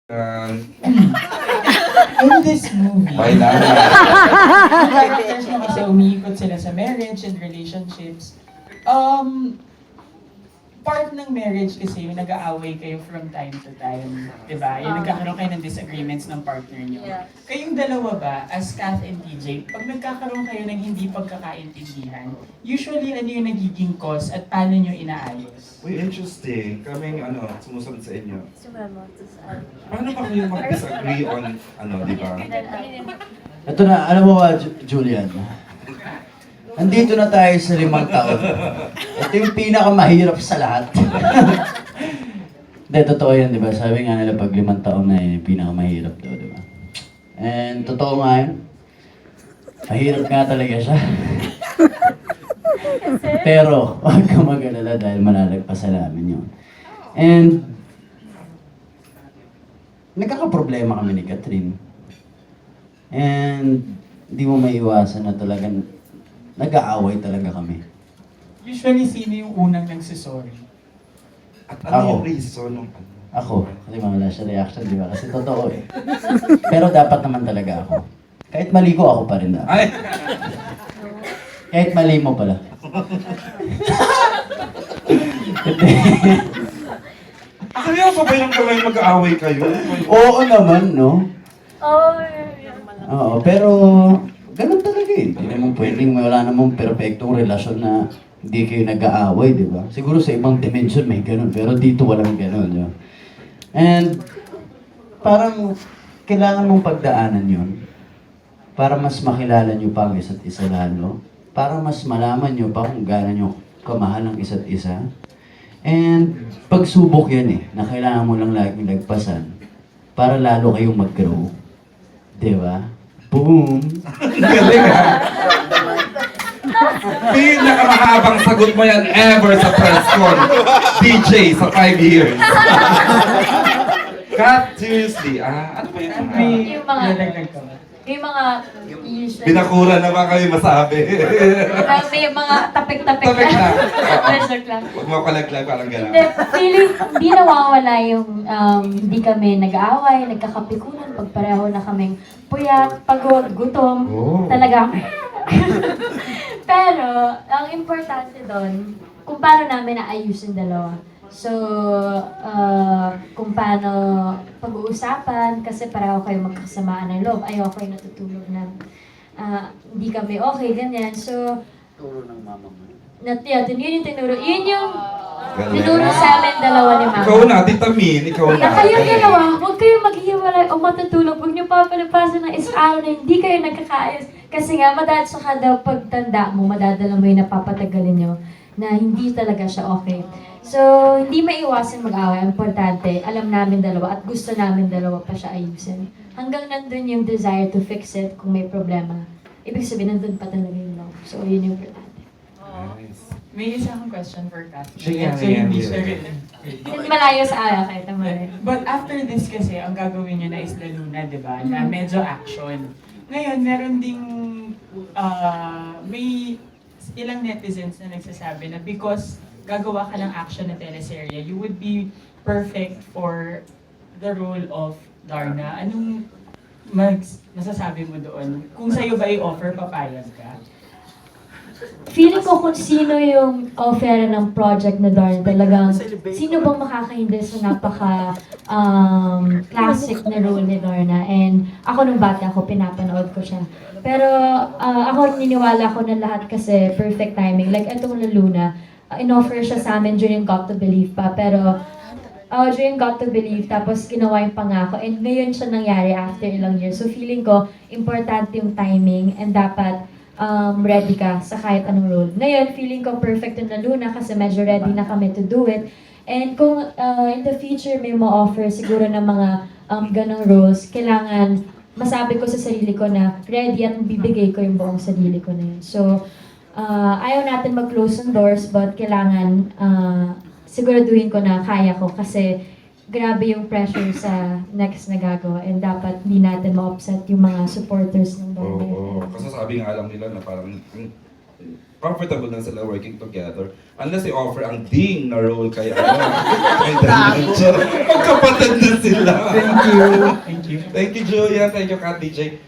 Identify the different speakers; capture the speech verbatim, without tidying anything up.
Speaker 1: Um,
Speaker 2: In this movie,
Speaker 1: Why not?
Speaker 2: ang characters mo kasi umiikot sila sa marriage and relationships. Um, part ng marriage kasi yung nag-aaway kayo from time to time. Diba? Yung
Speaker 3: Ah.
Speaker 2: nagkakaroon kayo ng disagreements ng partner nyo.
Speaker 3: Yeah.
Speaker 2: Kayong dalawa ba, as Kath and T J, pag nagkakaroon kayo ng hindi pagkakaintindihan, usually ano yung nagiging cause at paano nyo inaayos?
Speaker 1: Uy, interesting. Kaming ano, sumusunod sa inyo.
Speaker 3: Simulan mo. Tapos, ah,
Speaker 1: Paano ba kayo mag-disagree on, ano, di ba?
Speaker 3: then, ah,
Speaker 4: Ito na, alam mo ba, Ju- Julian? Nandito na tayo sa limang taon. Ito yung pinakamahirap sa lahat. Hindi, totoo yan, di ba? Sabi nga nila pag limang taon na yun, yung pinakamahirap daw, di ba? And totoo nga yun. Mahirap nga talaga siya. Pero, huwag ka mag-alala dahil malalagpasan namin yun. And, nagkakaproblema kami ni Catherine. And, di mo maiwasan na talagang nag-aaway talaga kami.
Speaker 2: Usually, sino yung unang nagsisorry?
Speaker 1: At
Speaker 4: Ako.
Speaker 1: ano yung reason ng ano?
Speaker 4: Ako, kasi wala siya reaction, di ba? Kasi totoo eh. Pero dapat naman talaga ako. Kahit mali ko, ako pa rin dapat.
Speaker 1: Ay!
Speaker 4: Kahit mali mo pala. Hindi.
Speaker 1: Akala ko ba yung kamay mag-aaway kayo?
Speaker 4: Oo naman, no?
Speaker 3: oh, yeah.
Speaker 4: Oo, pero ganun talaga eh. Hindi naman pwedeng wala namang perfectong relasyon na hindi kayo nag-aaway, di ba? Siguro sa ibang dimension may ganun, pero dito walang ganun, di ba? And parang kailangan mong pagdaanan yun para mas makilala nyo pa ang isa't isa lalo, para mas malaman nyo pa kung gaano nyo kamahal ang isa't isa. And pagsubok yan eh, na kailangan mo lang laging lagpasan para lalo kayong mag-grow. Di ba? Boom!
Speaker 1: Galing ha? Pinakamahabang sagot mo yan ever sa press con. D J sa five years. Kat, seriously, ah, ano ba yung mga...
Speaker 2: May
Speaker 3: Yung mga-
Speaker 2: nalaglag ka ba?
Speaker 3: Yung mga usually,
Speaker 1: Binakura na ba kayo masabi?
Speaker 3: uh, may mga tapik-tapik
Speaker 1: Tapik lang.
Speaker 3: Pressure lang.
Speaker 1: Huwag mo kalaglag, parang gano'n.
Speaker 3: Hindi, feeling, hindi nawawala yung um, hindi kami nag-aaway, nagkakapikunan, pag pareho na kaming puyat, pagod, gutom,
Speaker 1: Oh.
Speaker 3: talaga. Pero, ang importante doon, kung paano namin naayusin dalawa. So, uh, kung paano pag-uusapan, kasi pareho kayo magkasamaan ng loob. Ayoko kayo natutulog na ah, hindi kami okay, ganyan. So,
Speaker 4: Turo ng mama mo.
Speaker 3: nat yun, yun yung tinuro. Yun yung
Speaker 1: Galing.
Speaker 3: tinuro sa amin dalawa ni Mama.
Speaker 1: Ikaw na, Tita Min, ikaw na.
Speaker 3: Na kayong dalawa, huwag kayong maghihiwalay o matutulog. Huwag niyo papalapasan ng isang araw na hindi kayo nagkakaayos. Kasi nga, madad saka daw pagtanda mo, madadala mo yung napapatagalin nyo na hindi talaga siya okay. So, hindi maiwasan mag-away. Ang importante, alam namin dalawa at gusto namin dalawa pa siya ayusin. Hanggang nandun yung desire to fix it kung may problema. Ibig sabihin, nandun pa talaga yung love. So, yun yung importante.
Speaker 1: Nice.
Speaker 2: May isa akong question for Kath.
Speaker 1: Sige,
Speaker 2: so,
Speaker 1: sige,
Speaker 2: hindi
Speaker 1: sige.
Speaker 2: siya rin.
Speaker 3: Hindi malayo sa ayaw kahit naman.
Speaker 2: But after this kasi, ang gagawin nyo na is Luna, di ba? Na medyo action. Ngayon, meron ding, ah, may ilang netizens na nagsasabi na because gagawa ka ng action na teleserye, you would be perfect for the role of Darna. Anong mag masasabi mo doon? Kung sa'yo ba i-offer, papayag ka?
Speaker 3: Feeling ko kung sino yung offer ng project na Darn, talagang sino bang makakahindi sa napaka um, classic na role ni Darna. And ako nung bata ako, pinapanood ko siya. Pero uh, ako niniwala ko na lahat kasi perfect timing. Like etong Luna, uh, in-offer siya sa amin during Got to Believe pa. Pero uh, during Got to Believe, tapos ginawa yung pangako. And ngayon siya nangyari after ilang years. So feeling ko, importante yung timing and dapat um, ready ka sa kahit anong role. Ngayon, feeling ko perfect na Luna kasi medyo ready na kami to do it. And kung uh, in the future may ma-offer siguro ng mga um, ganong roles, kailangan masabi ko sa sarili ko na ready at bibigay ko yung buong sarili ko na yun. So, uh, ayaw natin mag-close ang doors but kailangan uh, siguraduhin ko na kaya ko kasi grabe yung pressure sa next na gagawa and dapat hindi natin ma-upset yung mga supporters ng
Speaker 1: Oo,
Speaker 3: banda.
Speaker 1: oo. Kasi sabi nga lang nila na parang ang comfortable na sila working together. Unless i-offer ang ding na role kay ano, kay Diretso. Magkapatid na sila.
Speaker 2: Thank you. Thank you.
Speaker 1: Thank you, Julia. Thank you, Kat D J.